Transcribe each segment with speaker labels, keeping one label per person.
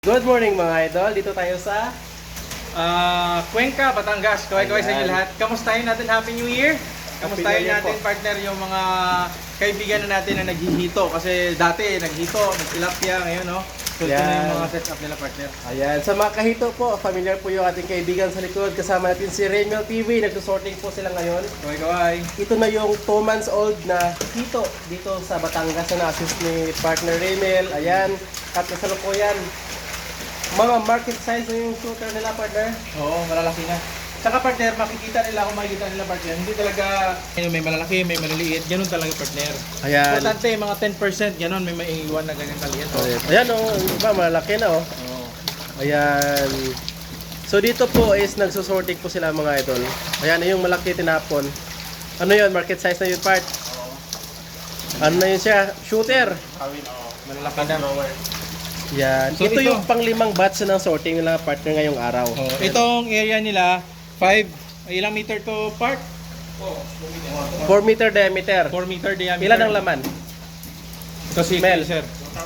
Speaker 1: Good morning mga idol, dito tayo sa
Speaker 2: Cuenca, Batangas. Kaway-kaway sa inyo
Speaker 1: Ayan.
Speaker 2: lahat. Kamustahin natin, Happy New Year! Kamustahin
Speaker 1: New Year
Speaker 2: natin,
Speaker 1: po.
Speaker 2: partner, yung mga kaibigan na natin na naghihito. Kasi dati, naghito, nagtilapia, ngayon, no? So, ito na
Speaker 1: Ayan.
Speaker 2: yung mga setup nila, partner.
Speaker 1: Ayan, sa mga kahito po, familiar po yung ating kaibigan sa likod. Kasama natin si Raymel TV, nagsusorting po sila ngayon.
Speaker 2: Kaway-kaway.
Speaker 1: Ito na yung 2 months old na hito dito sa Batangas na na-assist ni partner Raymel. Ayan, at kasalukuyan. Mga market size na yung shooter nila, partner.
Speaker 2: Oo, malalaki na. Saka, partner, makikita nila kung makikita nila, partner. Hindi talaga, may malalaki, may maliliit. Ganun talaga, partner.
Speaker 1: Ayan.
Speaker 2: Importante, mga 10%, ganun, may maiiwan na ganyan kaliit.
Speaker 1: Ayan o, yung iba malaki na o.
Speaker 2: Oo.
Speaker 1: Ayan. So dito po is nagsusorting po sila mga idol. Ayan yung malaki tinapon. Ano yun? Market size na yun part? Ano na yun siya? Shooter.
Speaker 2: Malalaki na.
Speaker 1: Yan.
Speaker 2: So,
Speaker 1: ito
Speaker 2: ito-
Speaker 1: yung panglimang batch ng sorting nila partner ngayong araw.
Speaker 2: Oh, itong area nila, 5, ilang meter to part?
Speaker 1: 4 meter diameter.
Speaker 2: 4 meter diameter.
Speaker 1: Ilan ang laman?
Speaker 2: Ito si
Speaker 1: Mel.
Speaker 2: sir.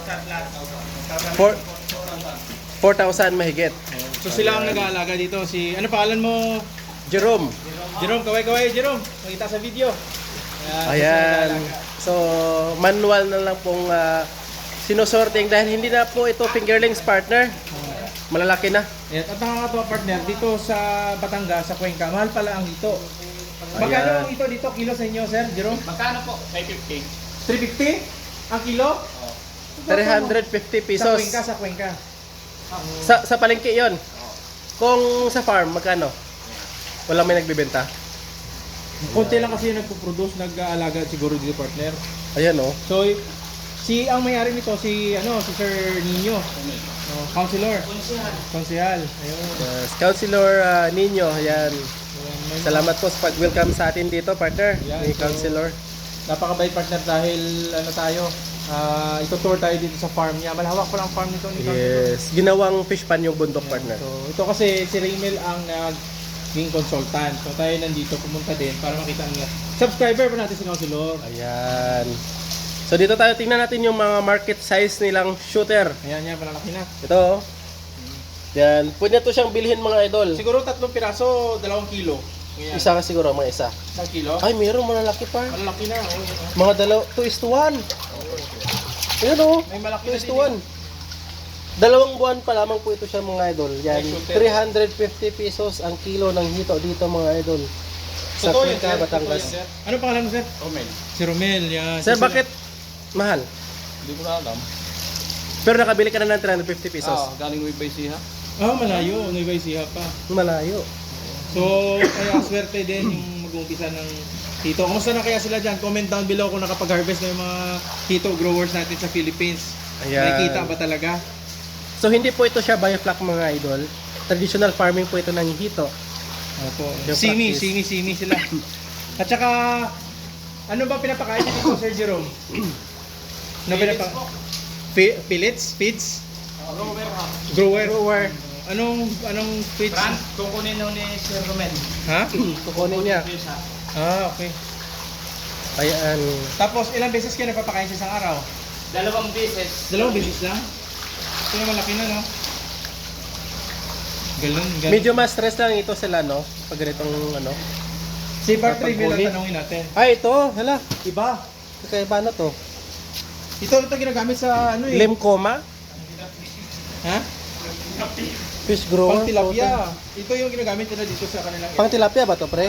Speaker 1: 4,000 mahigit.
Speaker 2: So sila ang nag-aalaga dito. Si, ano pangalan mo?
Speaker 1: Jerome.
Speaker 2: Jerome, kaway-kaway Jerome. Makita sa video. Ayan.
Speaker 1: Ayan. So manual na lang pong sinusorting dahil hindi na po ito fingerlings partner. Malalaki na.
Speaker 2: At nakakatawa partner, dito sa Batangas, sa Cuenca, mahal pala ang ito. Magkano ang ito dito kilo sa inyo, sir, Jerome?
Speaker 3: Magkano po? 550.
Speaker 2: 350 ang kilo?
Speaker 1: 350
Speaker 2: Sa
Speaker 1: pesos.
Speaker 2: Cuenca, sa Cuenca.
Speaker 1: Sa palengke 'yon. Kung sa farm magkano? Wala may nagbebenta.
Speaker 2: Konti lang kasi yung nagpo-produce, nag-aalaga siguro dito partner.
Speaker 1: Ayan oh.
Speaker 2: So, ang may-ari nito si Sir Nino. Councilor. Konsehal. Ayun.
Speaker 1: Yes, Councilor Nino, ayan.
Speaker 2: Ayan, may-
Speaker 1: Salamat po sa pag-welcome sa atin dito, partner.
Speaker 2: Ayan,
Speaker 1: Ni
Speaker 2: so-
Speaker 1: Councilor.
Speaker 2: Napakabait partner dahil ito-tour tayo dito sa farm niya. Malawak pa lang farm nito ni Councilor.
Speaker 1: Yes, ginawang fish pan yung bundok, partner.
Speaker 2: So, ito kasi si Raymel ang naging consultant. So, tayo nandito pumunta din para makita nila. Subscriber pa natin si Councilor.
Speaker 1: Ayan. So dito tayo tingnan natin yung mga market size nilang shooter.
Speaker 2: Ayan yan, malalaki na.
Speaker 1: Ito oh. Yan, pwede na to siyang bilhin mga idol.
Speaker 2: Siguro 3 piraso, 2 kilo. Ayan.
Speaker 1: Isa ka siguro, mga isa.
Speaker 2: 1 kilo.
Speaker 1: Ay, meron malalaki pa.
Speaker 2: Malalaki na. Oh,
Speaker 1: Mga 2:1. Ayan oh.
Speaker 2: May malaki
Speaker 1: 2:1. 2 buwan pa lamang po ito siya mga idol. Yan,
Speaker 2: Ay, shooter.
Speaker 1: 350 pesos ang kilo ng hito dito mga idol. Sa
Speaker 2: Totoo yun,
Speaker 1: Cuenca,
Speaker 2: sir.
Speaker 1: Batangas.
Speaker 2: Totoo yun, sir. Ano pangalan mo, sir?
Speaker 3: Romel.
Speaker 2: Si Romel, yan.
Speaker 1: Sir,
Speaker 2: Si
Speaker 1: bakit mahal?
Speaker 3: Hindi ko na alam.
Speaker 1: Pero nakabili ka na ng 350 pesos.
Speaker 3: Galing Nueva Ecija.
Speaker 2: malayo. Nueva Ecija pa.
Speaker 1: Malayo.
Speaker 2: So, kaya swerte din yung mag-uumpisa ng hito. Kumusta na kaya sila dyan? Comment down below kung nakapag-harvest na yung mga hito growers natin sa Philippines.
Speaker 1: Ayan.
Speaker 2: Nakikita ba talaga?
Speaker 1: So hindi po ito siya biofloc mga idol. Traditional farming po ito ng hito.
Speaker 2: Opo.
Speaker 1: Yung
Speaker 2: Simi
Speaker 1: practice.
Speaker 2: sila. At saka, ano ba pinapakain niyo dito, Sir Jerome? Ano Pellets? Feeds?
Speaker 3: Rover ha.
Speaker 2: Grower?
Speaker 1: Grower.
Speaker 2: Anong feeds?
Speaker 3: Brand, kukunin nyo ni Sir Romel.
Speaker 2: Ha?
Speaker 1: Kukunin niya.
Speaker 2: Okay.
Speaker 1: Ayan.
Speaker 2: Tapos, ilang beses kayo napapakain sa isang araw?
Speaker 3: 2 beses.
Speaker 2: 2 beses lang? Ito na malaki na, no? Ganun.
Speaker 1: Medyo mas stress lang ito sila no. Pag ganitong ano.
Speaker 2: Si Bart Reveal
Speaker 1: Paghuli.
Speaker 2: ang tanongin natin.
Speaker 1: Ay ito, hala. Iba. Kakaiba na to.
Speaker 2: Ito ginagamit sa ano eh?
Speaker 1: Limcoma.
Speaker 2: Ha?
Speaker 1: Fish grower.
Speaker 2: Pang tilapia. Ito yung ginagamit nila dito sa kanilang
Speaker 1: Pang tilapia ba to pre?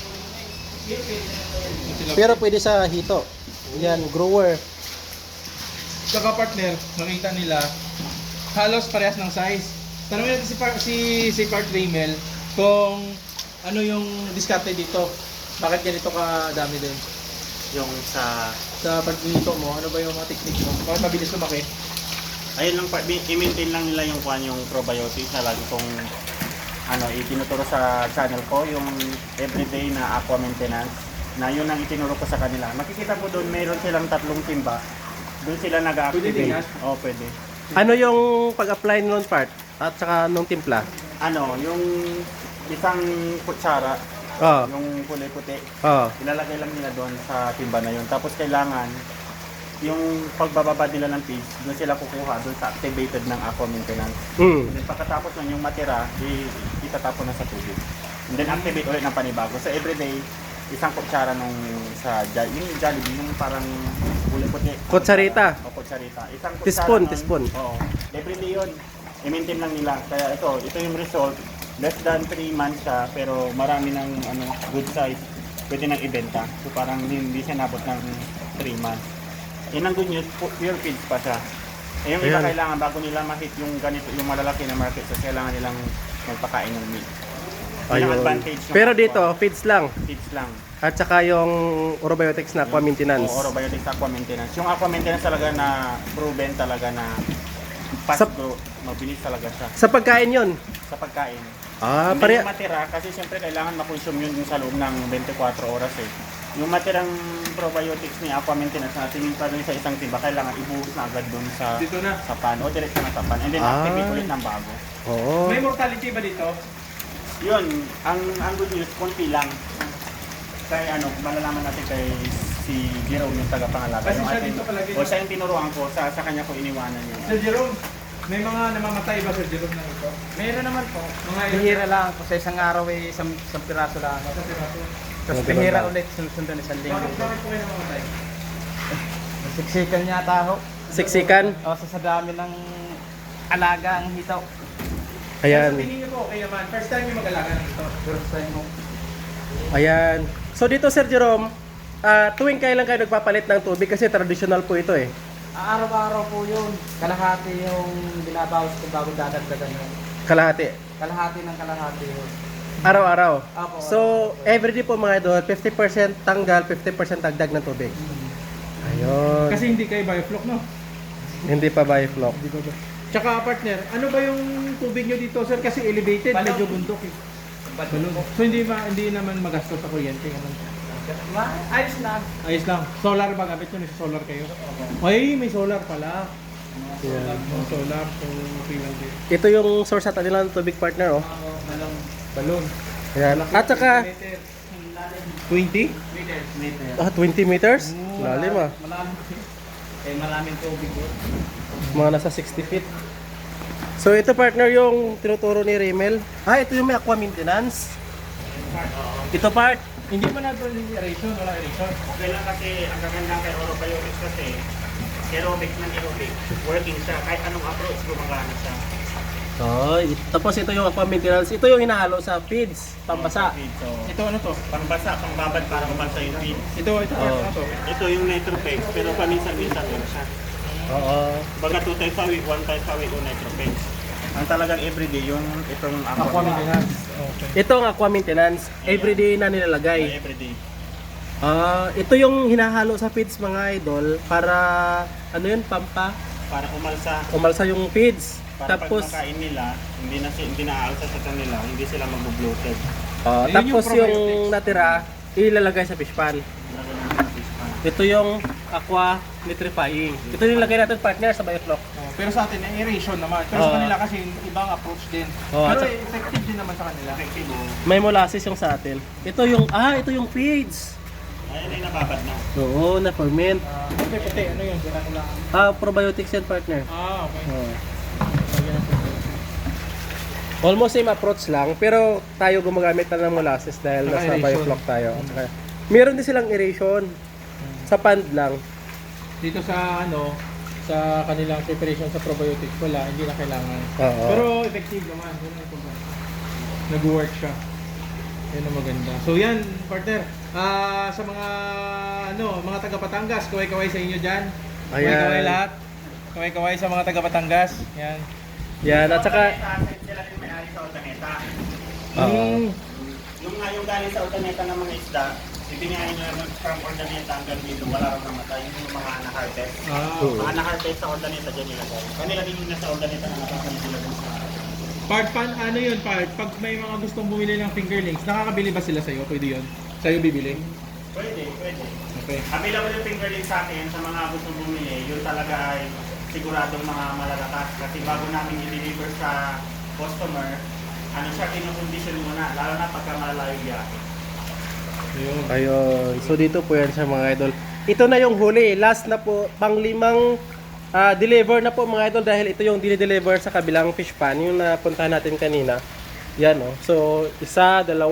Speaker 2: tilapia.
Speaker 1: Pero pwede sa hito. Yan, grower.
Speaker 2: Saka partner, makita nila halos parehas ng size. Tanungin natin si Part Raymel kung ano yung diskarte dito. Bakit ganito kadami din?
Speaker 4: Yung sa
Speaker 2: Sa pagdito mo, ano ba yung mga technique mo? Bakit mabilis lumaki?
Speaker 4: ayun lang i-maintain lang nila yung kwan yung probiotics na lagi kong itinuturo sa channel ko yung everyday na aqua maintenance na yun ang itinuro ko sa kanila. Makikita mo doon mayroon silang 3 timba. Doon sila
Speaker 2: Pwede din
Speaker 4: nag-activate.
Speaker 2: yan?
Speaker 4: Oo, pwede.
Speaker 1: Ano yung pag-apply nung part? At saka nung timpla?
Speaker 4: Yung isang kutsara,
Speaker 1: Oh.
Speaker 4: yung kulay puti,
Speaker 1: Oh.
Speaker 4: ilalagay lang nila doon sa timba na yun. Tapos kailangan yung pagbababa nila ng feeds, doon sila kukuha doon sa activated ng aqua maintenance.
Speaker 1: Mm.
Speaker 4: And then pagkatapos nun yung matira, itatapon na sa tubig. And then activate ulit ng panibago. So everyday, isang kutsara nung yung Jollibee, yung parang kulay puti.
Speaker 1: Kutsarita.
Speaker 4: O kutsarita. Isang kutsara
Speaker 1: Teaspoon,
Speaker 4: nun,
Speaker 1: teaspoon.
Speaker 4: Oo. Everyday yun. I-maintain lang nila. Kaya ito yung result. Less than 3 months siya, pero marami ng good size. Pwede nang ibenta. So parang hindi siya nabot ng 3 months. Yan ang good news, pure feeds pa siya. Eh, yung iba
Speaker 1: Ayan.
Speaker 4: kailangan bago nila ma-hit yung ganito, yung malalaki na market, so kailangan nilang magpakain ng meat. Yun ang
Speaker 1: Ayun.
Speaker 4: advantage ng
Speaker 1: Pero
Speaker 4: aqua.
Speaker 1: dito, feeds lang.
Speaker 4: Feeds lang.
Speaker 1: At saka yung Orobiotics na aqua maintenance.
Speaker 4: O Orobiotics aqua maintenance. Yung aqua maintenance talaga na proven talaga na fast
Speaker 1: Sa-
Speaker 4: growth. Mabilis talaga siya
Speaker 1: Sa pagkain yun.
Speaker 4: sa pagkain.
Speaker 1: Ah,
Speaker 4: Hindi
Speaker 1: pare.
Speaker 4: yung matira kasi siyempre kailangan makonsume yun sa loob ng 24 oras eh. Yung matirang probiotics ni aqua maintenance na tingin pa dun sa isang timba, kailangan ibuhos na agad dun sa
Speaker 2: Dito na.
Speaker 4: pan o direct na sa pan. And then
Speaker 1: Ah.
Speaker 4: activate ulit ng bago.
Speaker 1: Oo.
Speaker 2: May mortality ba dito?
Speaker 4: Yun, ang good news, konti lang. Kaya malalaman natin kay si Jerome yung tagapangalaga.
Speaker 2: Kasi
Speaker 4: Yung
Speaker 2: siya
Speaker 4: ating-
Speaker 2: dito palagi.
Speaker 4: O siya yung tinuruan ko, sa kanya ko iniwanan yun.
Speaker 2: Sir Jerome, may mga namamatay ba Sir Jerome na ito?
Speaker 3: Meron naman po.
Speaker 2: Mga
Speaker 3: Bihira lang po. Sa isang araw ay isang piraso lang.
Speaker 2: Sa piraso.
Speaker 3: Tapos
Speaker 1: Mga ganun
Speaker 3: bihira
Speaker 1: lang.
Speaker 3: ulit sunod-sunod isang
Speaker 2: Bakit
Speaker 3: linggo.
Speaker 2: bakit po kayo namamatay?
Speaker 3: Siksikan niya taho.
Speaker 1: Siksikan.
Speaker 3: O sa dami ng alaga ang hitaw.
Speaker 1: Ayan.
Speaker 2: Sa tingin niyo po, okay naman. First time yung mag-alaga ng ito.
Speaker 3: First time mo.
Speaker 1: Ayan. So dito, Sir Jerome, tuwing kailan kayo nagpapalit ng tubig kasi traditional po ito eh.
Speaker 3: Araw-araw po yun. Kalahati yung binabawas ko bago dadagdagan yun.
Speaker 1: Kalahati.
Speaker 3: Kalahati ng kalahati yun.
Speaker 1: Araw-araw.
Speaker 3: Apo,
Speaker 1: So, everyday po mga idol, 50% tanggal, 50% dagdag ng tubig. Ayun.
Speaker 2: Kasi hindi kayo bioflock, no?
Speaker 1: Hindi pa by flock.
Speaker 2: Hindi ba? Tsaka partner, ano ba yung tubig nyo dito sir? Kasi elevated,
Speaker 3: Balon.
Speaker 2: medyo bundok eh. Balon. So hindi naman magastos sa kuryente. Ganun.
Speaker 3: Ayos na.
Speaker 2: Ayos lang. Solar ba gamit nyo? May solar kayo? Ay, may solar pala.
Speaker 1: Ayan.
Speaker 2: May solar. So, okay lang din.
Speaker 1: Ito yung source natin nila ng tubig partner, oh.
Speaker 2: Balon.
Speaker 1: Ayan. At saka,
Speaker 2: 20?
Speaker 3: Meter.
Speaker 1: 20 meters? Lalim ah.
Speaker 3: Malalim. Eh, maraming tubig yun.
Speaker 1: Mga nasa 60 feet. So ito partner yung tinuturo ni Rimmel. Ito yung may aqua maintenance. Ito part.
Speaker 2: Hindi mo na ito aeration, wala aeration.
Speaker 4: Okay lang kasi ang gaganda kay Orobiotics kasi aerobic ng aerobic. Working siya. Kahit anong approach, gumagana siya.
Speaker 1: Tapos ito yung aqua maintenance. Ito yung hinahalo sa feeds, pambasa.
Speaker 4: So,
Speaker 2: Ito ano to?
Speaker 4: pangbasa, pangbabad para umalsa yung feed.
Speaker 2: Ito
Speaker 1: Oh.
Speaker 2: ano to?
Speaker 4: Ito yung Nitropex, pero paminsan-minsan lang siya.
Speaker 1: Oo.
Speaker 4: Baga 2 times a week, 1 times a week yung Nitropex. Ang talagang everyday yung itong
Speaker 2: Aqua maintenance. Okay.
Speaker 1: Ito ang aqua maintenance. Everyday na nilalagay.
Speaker 4: Everyday.
Speaker 1: Ito yung hinahalo sa feeds mga idol para ano yun,
Speaker 4: Para umalsa.
Speaker 1: umalsa yung feeds.
Speaker 4: Para
Speaker 1: Tapos
Speaker 4: pag makain nila, hindi naaalsa sa kanila, hindi sila mag-bloated.
Speaker 2: Yun yung
Speaker 1: tapos yung
Speaker 2: probiotics.
Speaker 1: natira ilalagay sa fish pan. Ito yung aqua nitrifying. Ito yung nilagay natin partner sa bioflock.
Speaker 2: Pero sa atin, aeration naman. Pero sa
Speaker 1: Oo.
Speaker 2: kanila kasi ibang approach din.
Speaker 1: Oo,
Speaker 2: Pero
Speaker 1: at saka-
Speaker 2: effective din naman sa kanila.
Speaker 4: Effective.
Speaker 1: May molasses yung sa atin. Ito yung feeds.
Speaker 4: Ayun ay nababad na.
Speaker 1: Oo, na ferment.
Speaker 2: Puti, ano yun? Sila nila.
Speaker 1: Probiotics yan partner.
Speaker 2: Okay.
Speaker 1: Oo. Almost same approach lang, pero tayo gumagamit na ng molasses dahil
Speaker 2: Saka
Speaker 1: nasa
Speaker 2: aeration.
Speaker 1: bioflock tayo. Okay. Meron din silang aeration. Sa pond lang.
Speaker 2: Dito sa sa kanilang preparation sa probiotics, wala, hindi na kailangan.
Speaker 1: Oo.
Speaker 2: Pero effective naman. Yun ang importante. Nag-work siya. Yan ang maganda. So yan, partner. Sa mga taga Batangas, kaway-kaway sa inyo dyan. Kaway-kaway
Speaker 1: Ayan.
Speaker 2: lahat. Kaway-kaway sa mga taga Batangas. Yan.
Speaker 1: Yan, at saka
Speaker 4: Sila din may-ari sa Ordaneta.
Speaker 1: Oo.
Speaker 4: Yung galing sa Ordaneta ng mga isda, ibinayin nyo naman from Ordaneta hanggang dito, wala rin namatay. Yung mga na-harvest. Mga na-harvest sa Ordaneta dyan nilagay. Kanila din yung nasa Ordaneta na nakakalit nila dun sa...
Speaker 2: Ano yun, Part? Pag may mga gustong bumili ng fingerlings, nakakabili ba sila sa'yo? Pwede yun? Sa'yo bibili?
Speaker 4: Pwede.
Speaker 2: Okay.
Speaker 4: Available yung fingerling sa akin sa mga gustong bumili, yun talaga ay siguradong mga malalakas. Kasi bago namin i-deliver sa customer, siya kinukondisyon muna, lalo na pagka malalayo biyahe.
Speaker 2: Ayun.
Speaker 1: ayun. So dito po yan sa mga idol. ito na yung huli. Last na po, pang-limang deliver na po mga idol dahil ito yung dinideliver sa kabilang fish pan, yung napuntahan natin kanina. Yan oh. So, 1, 2, 3,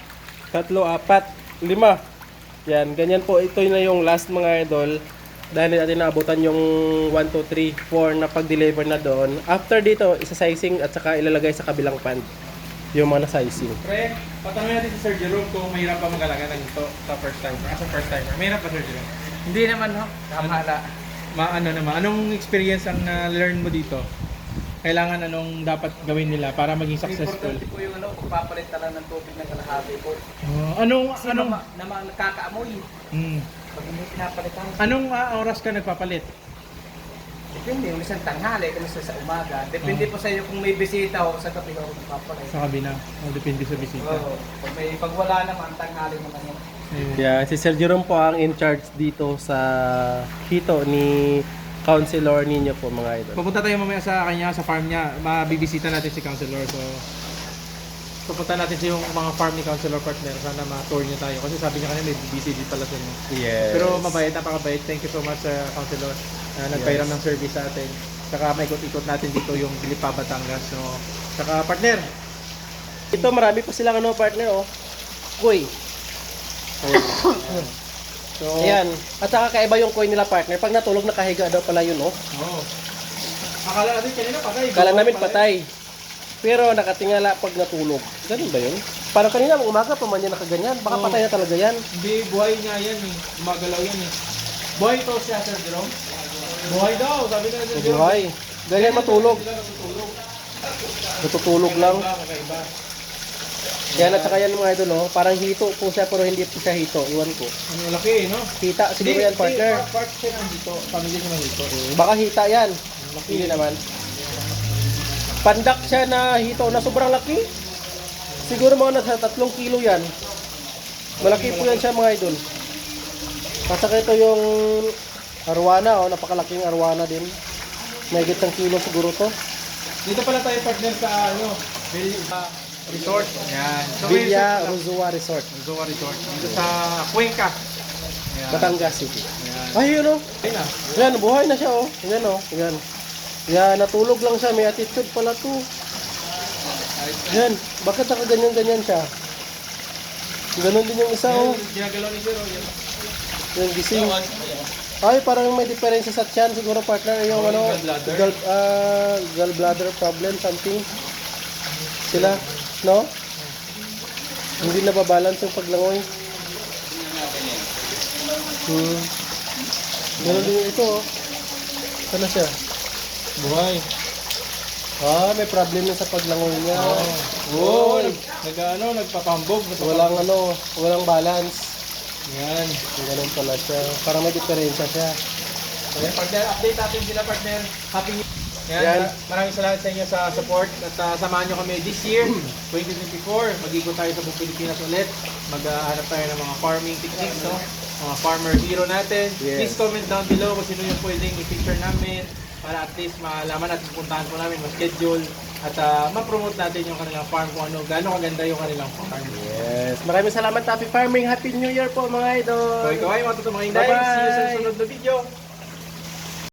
Speaker 1: 4, 5. Yan, ganyan po. Ito na yung last mga idol. Dahil natin naabutan yung 1, 2, 3, 4 na pag-deliver na doon. After dito, isa-sizing at saka ilalagay sa kabilang pan yung mga na-sizing.
Speaker 2: Pre, patanungin natin si Sir Jerome kung mahirap pa mag-alaga ng ito sa first timer. As a first timer, mahirap pa Sir Jerome?
Speaker 3: Hindi naman ho, tama na.
Speaker 2: Ano naman, anong experience ang na-learn mo dito? Kailangan anong dapat gawin nila para maging successful?
Speaker 3: Importante po yung pagpapalit na lang ng tubig ng kalahati po.
Speaker 2: Anong
Speaker 3: Kasi naman nakakaamoy. Pag hindi pinapalitan.
Speaker 2: Anong oras ka nagpapalit?
Speaker 3: Depende, yung isang tanghali, kung sa umaga. Depende po sa iyo kung may bisita o sa gabi ako magpapalit.
Speaker 2: Sa kabina. Depende sa bisita.
Speaker 3: Oo. Pag wala naman, tanghali naman yun.
Speaker 2: Ayun.
Speaker 1: Yeah, si Sir Jerome po ang in charge dito sa hito ni Counselor ninyo po mga idol.
Speaker 2: Pupunta tayo mamaya sa kanya, sa farm niya. Mabibisita natin si Counselor. So, pupunta natin sa yung mga farm ni Counselor Partner. Sana ma-tour niya tayo. Kasi sabi niya kanina may busy din pala sa inyo.
Speaker 1: Yes.
Speaker 2: Pero mabait, napakabait. Thank you so much Counselor. Nagpairam ng service sa atin. Saka may ikot-ikot natin dito yung Bilipa, Batangas. So, saka partner.
Speaker 1: Ito marami pa silang partner oh. Kuy.
Speaker 2: So,
Speaker 1: Ayan. At saka kaiba yung coin nila partner. Pag natulog nakahiga daw pala yun oh.
Speaker 2: Oh. Akala natin kanina patay.
Speaker 1: Kala namin patay. Pero nakatingala pag natulog. Ganun ba yun? Parang kanina umaga pa man yan nakaganyan. Baka
Speaker 2: Oo.
Speaker 1: patay na talaga yan.
Speaker 2: Hindi, buhay niya yan eh. Gumagalaw yan eh. Buhay to siya, Sir Jerome. Buhay daw, sabi na Sir Jerome.
Speaker 1: Buhay. Ganyan matulog.
Speaker 2: Sila natutulog.
Speaker 1: Natutulog lang.
Speaker 2: Kakaiba.
Speaker 1: Yan at saka yan mga idol oh. Parang hito po siya pero hindi po siya hito. Iwan ko.
Speaker 2: Ano laki eh, no?
Speaker 1: Hita siguro yan partner.
Speaker 2: Part siya ng dito. Pamilya niya ng dito.
Speaker 1: Baka hita yan. Hindi naman. Pandak siya na hito na sobrang laki. Siguro mga nasa 3 kilo yan. Malaki po yan siya mga idol. At saka ito yung arwana oh. Napakalaking arwana din. May ng kilo siguro to.
Speaker 2: Dito pala tayo partner sa Villa Resort. Yan. So,
Speaker 1: Villa Ruzua Resort.
Speaker 2: Ruzua Resort. Dito sa Cuenca. Yan.
Speaker 1: Batangas City.
Speaker 2: Yan.
Speaker 1: Ay yun oh.
Speaker 2: Ayun na.
Speaker 1: Yan, buhay na siya oh. Yan oh. Yan. Yan, natulog lang siya. May attitude pala to. Yan. Bakit nakaganyan-ganyan siya? Ganon din yung isa oh.
Speaker 2: Ginagalaw ni Sir. Yan.
Speaker 1: Yung gising. Ay, parang may diferensya sa tiyan. Siguro partner yung
Speaker 2: gallbladder.
Speaker 1: Gallbladder problem, something. Sila, no? Hindi nababalance yung paglangoy. Ganon din yung ito oh. Sana siya?
Speaker 2: Buhay.
Speaker 1: May problem na sa paglangoy niya.
Speaker 2: Oh,
Speaker 1: Uy!
Speaker 2: nagpapambog.
Speaker 1: Walang balance.
Speaker 2: Yan.
Speaker 1: Ganun pala siya. Parang may diferensya siya.
Speaker 2: Ayan, partner, update natin sila partner. Happy New Year.
Speaker 1: Yan.
Speaker 2: Maraming salamat sa inyo sa support at samahan nyo kami this year, 2024. Mag-ikot tayo sa buong Pilipinas ulit. Maghanap tayo ng mga farming techniques, no? Mga farmer hero natin.
Speaker 1: Yes.
Speaker 2: Please comment down below kung sino yung pwedeng i-picture namin para at least malaman at pupuntahan po namin, ma-schedule at ma-promote natin yung kanilang farm kung ano, gaano kaganda yung kanilang farm.
Speaker 1: Yes. Maraming salamat, Happy Farming. Happy New Year po mga idol.
Speaker 2: So ikaw ay matutumahin dahil. See you sa susunod na video.